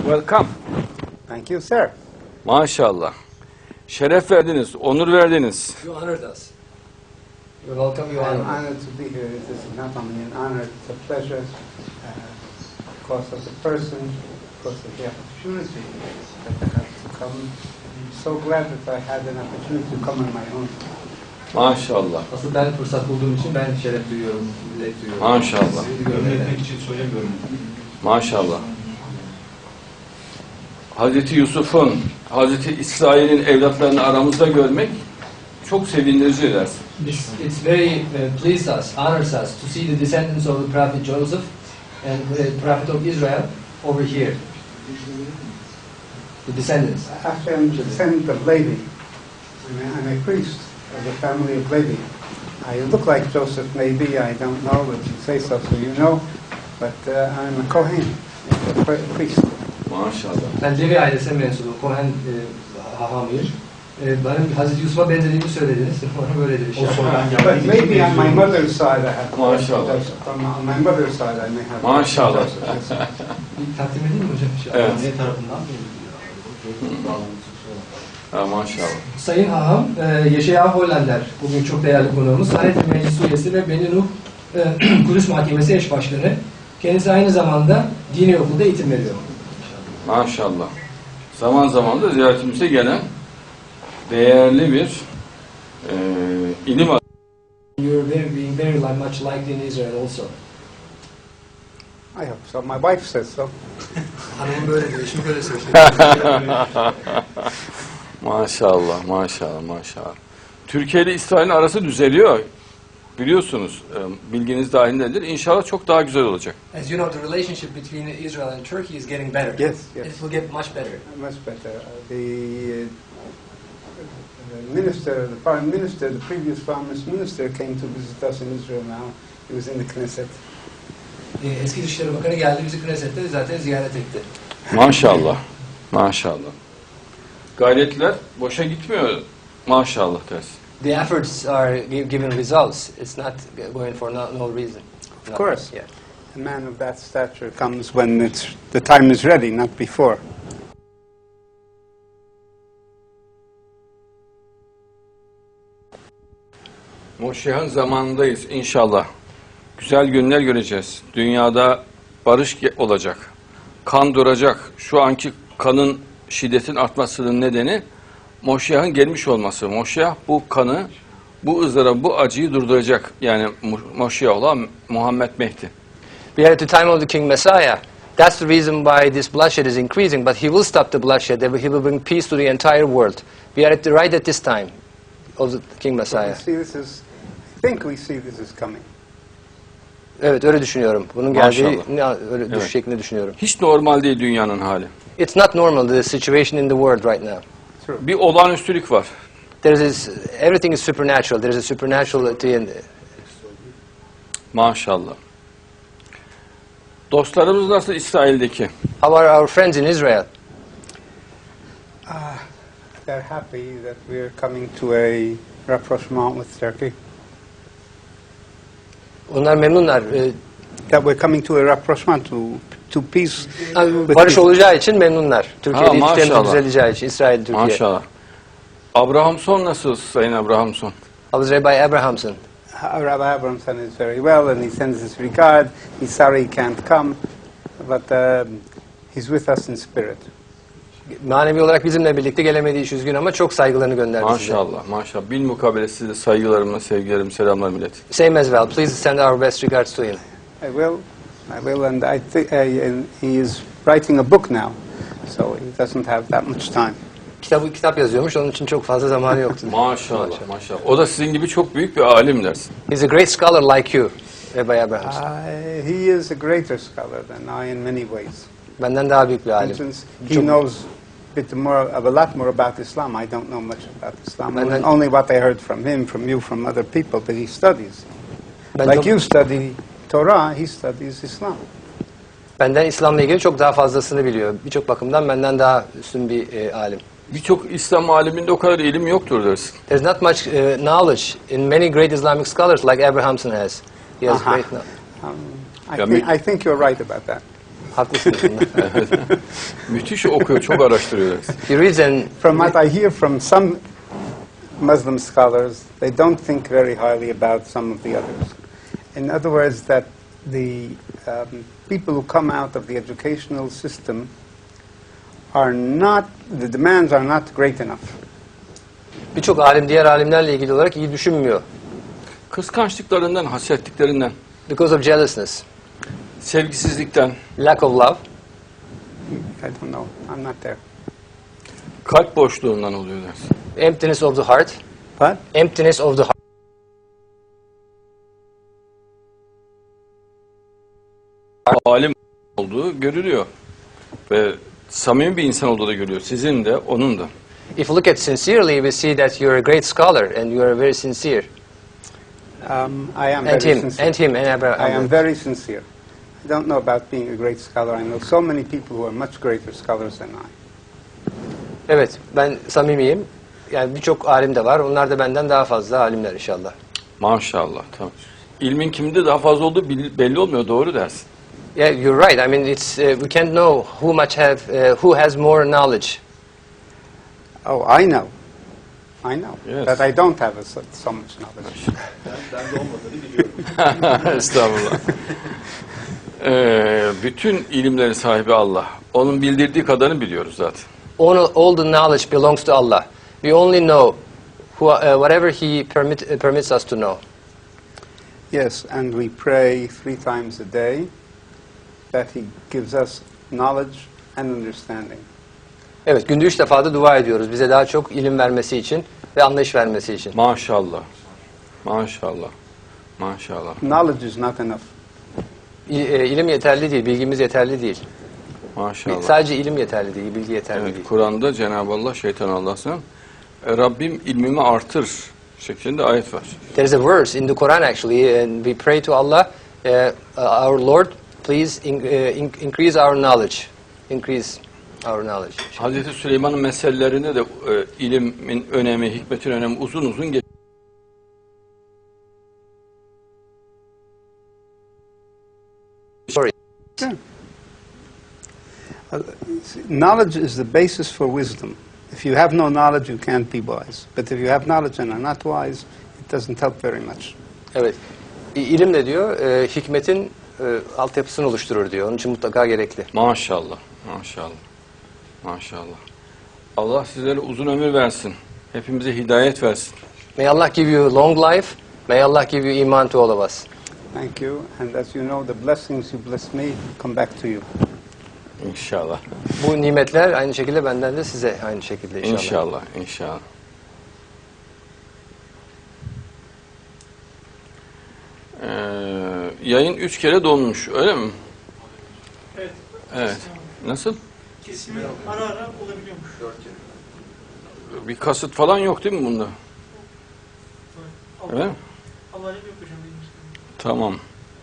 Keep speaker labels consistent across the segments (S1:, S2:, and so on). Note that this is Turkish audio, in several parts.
S1: Welcome.
S2: Thank you, sir.
S1: Maşallah. Şeref verdiniz, onur verdiniz.
S3: You honored us. You're welcome, you
S2: I'm
S3: honored us.
S2: honored to be here. This is not only an honor, it's a pleasure because of the person, because of the opportunity that I have to come. I'm so glad that I had an opportunity to come on my own.
S1: Maşallah.
S3: Asıl ben fırsat bulduğum için ben şeref duyuyorum, zevk duyuyorum.
S1: Maşallah.
S3: Sizi görmekten.
S4: için söylemiyorum.
S1: Maşallah. Hazreti Yusuf'un, Hazreti İsrail'in evlatlarını aramızda görmek çok sevindirici dersin.
S3: It's very pleased us, honors us to see the descendants of the prophet Joseph and the prophet of Israel over here. The descendants.
S2: Actually, I'm the descendant of Levi. I'm a priest of the family of Levi. I look like Joseph, maybe, I don't know, but you say so, so you know. But I'm a Kohen, a priest.
S1: Maşallah.
S3: Ben Levi ailesine mensubum, Kohen hahamıyım. Benim Hazreti Yusuf'a benzediğimi söylediniz. Ona böyle bir şey.
S2: But maybe on my mother's side I have
S1: Maşallah.
S2: on my mother's side I may have
S1: Maşallah.
S3: Bir takdim edeyim mi hocam?
S1: Evet.
S4: Ne tarafından?
S1: Ha, maşallah.
S3: Sayın Haham, Yaşaya Hollander, bugün çok değerli konuğumuz. Hayat Meclis üyesi ve Beni Nuh Kudüs Mahkemesi eş başkanı. Kendisi aynı zamanda dini okulda eğitim veriyor.
S1: Maşallah. Zaman zaman da ziyaretimize gelen değerli bir ilim adamı.
S3: You're being very much liked in Israel also.
S2: I hope so. My wife says so.
S3: Hanımım böyle diyor, eşim böyle söylüyor.
S1: Maşallah, maşallah, maşallah. Türkiye ile İsrail'in arası düzeliyor. Biliyorsunuz, bilginiz dahilindedir. İnşallah çok daha güzel olacak.
S3: As you know, the relationship between Israel and Turkey is getting better.
S2: Yes, yes.
S3: It will get much better.
S2: Much better. The minister, the foreign minister, the previous foreign minister came to visit us in Israel now. He was in the Knesset.
S3: Eski Dışişleri Bakanı geldi, bizi Knesset'te zaten ziyaret etti.
S1: Maşallah, maşallah. Gayretler boşa gitmiyor. Maşallah dersin.
S3: The efforts are giving results. It's not going for no reason.
S2: Of course.
S3: Yeah.
S2: A man of that stature comes when the time is ready, not before.
S1: Moşih'in zamanındayız inşallah. Güzel günler göreceğiz. Dünyada barış olacak. Kan duracak. Şu anki kanın şiddetin artmasının nedeni Moşih'in gelmiş olması. Moşih bu kanı, bu ızdırabı, bu acıyı durduracak. Yani Moşih olan Muhammed Mehdi.
S3: We are at the time of the King Messiah. That's the reason why this bloodshed is increasing. But he will stop the bloodshed. He will bring peace to the entire world. We are right at this time of the King Messiah.
S2: I think we see this is coming.
S3: Evet, öyle düşünüyorum. Bunun geldiği öyle
S1: Evet.
S3: şeklinde düşünüyorum.
S1: Hiç normal değil dünyanın hali.
S3: It's not normal, the situation in the world right now.
S2: True.
S1: Bir olağanüstülük var.
S3: Everything is supernatural. There is a supernaturality in
S1: Maşallah. Dostlarımız nasıl İsrail'deki?
S3: How are our friends in Israel?
S2: They're happy that we're coming to a rapprochement with Turkey.
S3: Onlar memnunlar.
S2: That we're coming to a rapprochement, to peace. with
S3: Barış
S2: peace.
S3: olacağı için memnunlar. Türkiye'de ilişkilerimiz
S1: maşallah.
S3: düzeleceği için. İsrail, Türkiye.
S1: Maşallah. Abrahamson nasıl Sayın Abrahamson?
S3: How is Rabbi Abrahamson?
S2: Rabbi Abramson is very well, and he sends his regard. He's sorry he can't come, but he's with us in spirit.
S3: Manevi olarak bizimle birlikte gelemediği için üzgün ama çok saygılarını gönderdi size.
S1: Maşallah, maşallah. Bilmukabele size saygılarımla, sevgilerim, selamlar millet.
S3: Same as well. Please send our best regards to him.
S2: I will, and I think and he is writing a book now, so he doesn't have that much time.
S3: Kitap yazıyormuş, onun için çok fazla zamanı yoktu.
S1: Maşallah, maşallah. O da sizin gibi çok büyük bir alim dersin.
S3: He's a great scholar like you, Rabbi Abrahamson.
S2: He is a greater scholar than I in many ways.
S3: Benden daha büyük bir
S2: For
S3: alim.
S2: instance, he knows a lot more about Islam. I don't know much about Islam. Only what I heard from him, from you, from other people, but he studies. Like you study Torah, he studies Islam.
S3: Benden İslam'la ilgili çok daha fazlasını biliyor. Birçok bakımdan benden daha üstün bir alim.
S1: Birçok İslam aliminde o kadar ilim yoktur dersin.
S3: There's not much knowledge in many great Islamic scholars like Abrahamson has. He has great knowledge.
S2: I think you're right about that.
S3: Haklısınız bunda.
S1: Müthiş okuyor, çok araştırıyor.
S3: He reads and
S2: From what I hear from some Muslim scholars, they don't think very highly about some of the others. In other words, that the people who come out of the educational system are not, the demands are not great enough.
S3: birçok alim diğer alimlerle ilgili olarak iyi düşünmüyor.
S1: Kıskançlıklarından, hasetliklerinden,
S3: Because of jealousness,
S1: sevgisizlikten,
S3: lack of love,
S2: I don't know. I'm not there.
S1: kalp boşluğundan oluyor dersin.
S3: emptiness of the heart,
S2: But
S3: emptiness of the heart.
S1: Alim olduğu görülüyor. Ve samimi bir insan olduğu da görülüyor. Sizin de, onun da.
S3: If you look at sincerely, we see that you're a great scholar and you are very sincere.
S2: I am
S3: And
S2: very
S3: him,
S2: sincere.
S3: and him, and
S2: I am very sincere. I don't know about being a great scholar. I know so many people who are much greater scholars than I.
S3: Evet, ben samimiyim. Yani birçok alim de var. Onlar da benden daha fazla alimler inşallah.
S1: Maşallah. Tamam. İlmin kimde daha fazla olduğu belli olmuyor. Doğru dersin.
S3: Yeah, you're right. I mean, it's we can't know who has more knowledge.
S2: Oh, I know. I know.
S1: Yes.
S2: But I don't have so much knowledge.
S1: Estağfurullah. Bütün ilimlerin sahibi Allah. Onun bildirdiği kadarını biliyoruz zaten.
S3: All the knowledge belongs to Allah. We only know whatever He permits us to know.
S2: Yes, and we pray 3 times a day that He gives us knowledge and understanding.
S3: Evet, günde 3 defa da dua ediyoruz. Bize daha çok ilim vermesi için ve anlayış vermesi için.
S1: Maşallah. Maşallah. Maşallah.
S2: Knowledge is not enough.
S3: İlim yeterli değil, bilgimiz yeterli değil.
S1: Maşallah.
S3: Sadece ilim yeterli değil, bilgi yeterli
S1: Evet,
S3: değil.
S1: Kur'an'da Cenab-ı Allah şeytan Allah'sın. Rabbim ilmimi artır şeklinde ayet var.
S3: There is a verse in the Quran actually, and we pray to Allah, our Lord, please increase our knowledge. Increase our knowledge.
S1: Hazreti Süleyman'ın meselelerinde de ilimin önemi, hikmetin önemi uzun uzun geçiyor.
S3: Sorry.
S2: Knowledge is the basis for wisdom. If you have no knowledge, you can't be wise. But if you have knowledge and are not wise, it doesn't help very much.
S3: Evet. İlim de diyor, hikmetin altyapısını oluşturur diyor. Onun için mutlaka gerekli.
S1: Maşallah. Maşallah. Maşallah. Allah sizlere uzun ömür versin. Hepimize hidayet versin.
S3: May Allah give you long life. May Allah give you iman to all of us.
S2: Thank you. And as you know, the blessings you bless me come back to you.
S1: İnşallah.
S3: Bu nimetler aynı şekilde benden de size aynı şekilde inşallah.
S1: İnşallah. İnşallah. Yayın 3 kere donmuş, öyle mi?
S4: Evet.
S1: Evet. Nasıl?
S4: Kesimi ara ara olabiliyormuş.
S1: Bir kasıt falan yok değil mi bunda?
S4: Allah,
S1: Evet mi?
S4: Allah yok hocam benim için.
S1: Tamam.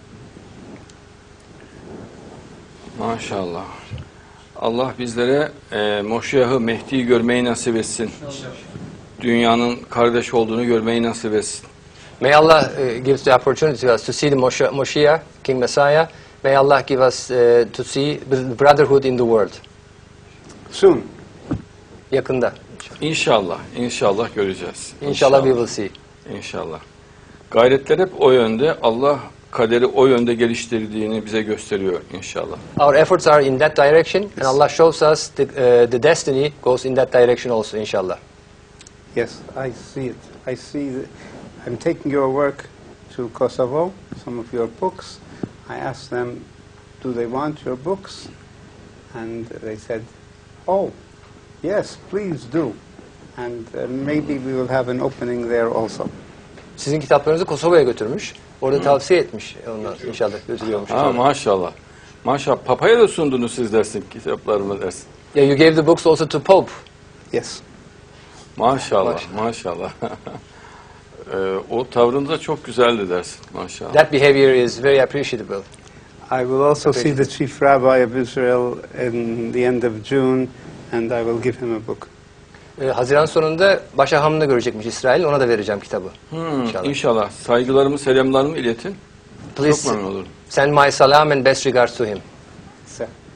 S1: Maşallah. Allah bizlere Moşiyah'ı, Mehdi'yi görmeyi nasip etsin. Dünyanın kardeş olduğunu görmeyi nasip etsin.
S3: May Allah give the opportunity to us to see the Moshiach, King Messiah. May Allah give us to see the brotherhood in the world.
S2: Soon.
S3: Yakında.
S1: İnşallah, inşallah göreceğiz.
S3: İnşallah we will see.
S1: İnşallah. Gayretler hep o yönde. Allah kaderi o yönde geliştirdiğini bize gösteriyor inşallah.
S3: Our efforts are in that direction, and Allah shows us the destiny goes in that direction also, inshallah.
S2: Yes, I see it. I see that I'm taking your work to Kosovo, some of your books. I asked them, do they want your books? And they said, oh, yes, please do. And maybe we will have an opening there also.
S3: Sizin kitaplarınızı Kosova'ya götürmüş. Orada tavsiye etmiş. Onlar inşallah götürüyormuş.
S1: Ha, maşallah. Maşallah. Papa'ya da sundunuz siz dersin, kitaplarımı dersin.
S3: Yeah, you gave the books also to Pope.
S2: Yes.
S1: Maşallah, maşallah. O tavrınız da çok güzeldi dersin, maşallah.
S3: That behavior is very appreciable.
S2: I will also see the Chief Rabbi of Israel in the end of June, and I will give him a book.
S3: Haziran sonunda Başaham'da görecekmiş İsrail. Ona da vereceğim kitabı.
S1: İnşallah. Saygılarımı, selamlarımı iletin.
S3: Please
S1: Çok memnun olurum.
S3: send my salam and best regards to him.
S2: So,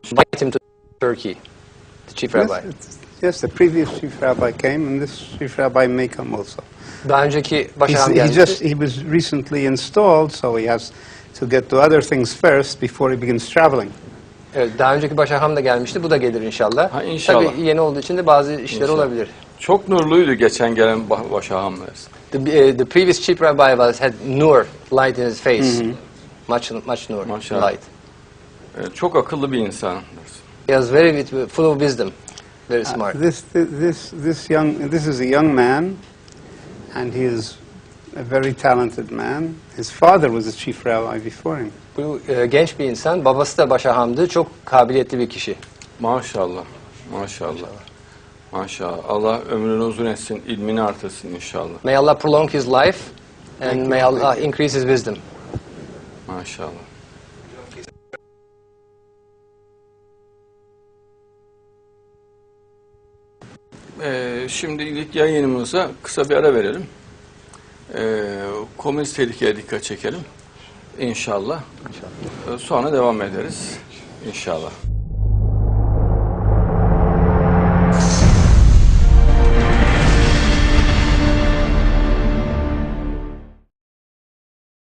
S3: invite him to Turkey, the chief rabbi.
S2: Yes, the previous chief rabbi came, and this chief rabbi may come also.
S3: Daha önceki başaham
S2: He
S3: gelmişti.
S2: was recently installed, so he has to get to other things first before he begins traveling.
S3: Evet, daha önceki başaham da gelmişti. Bu da gelir inşallah.
S1: Ha, inşallah.
S3: Tabii yeni olduğu için de bazı işler
S1: İnşallah.
S3: olabilir.
S1: Çok nurluydu geçen gelen başahamlarız.
S3: The previous chief rabbi had nur, light in his face. Much nur,
S1: Maşallah.
S3: light.
S1: Çok akıllı bir insan.
S3: He was very full of wisdom, very smart.
S2: This is a young man, and he is a very talented man. His father was a chief rabbi before him.
S3: Bu genç bir insan, babası da başahamdı, çok kabiliyetli bir kişi.
S1: Maşallah. Maşallah. Maşallah. Allah ömrünü uzun etsin, ilmini artırsın inşallah.
S3: May Allah prolong his life and may Allah increase his wisdom.
S1: Maşallah. Şimdilik yayınımıza kısa bir ara verelim. Komünist tehlikeye dikkat çekelim. İnşallah. Sonra devam ederiz. İnşallah.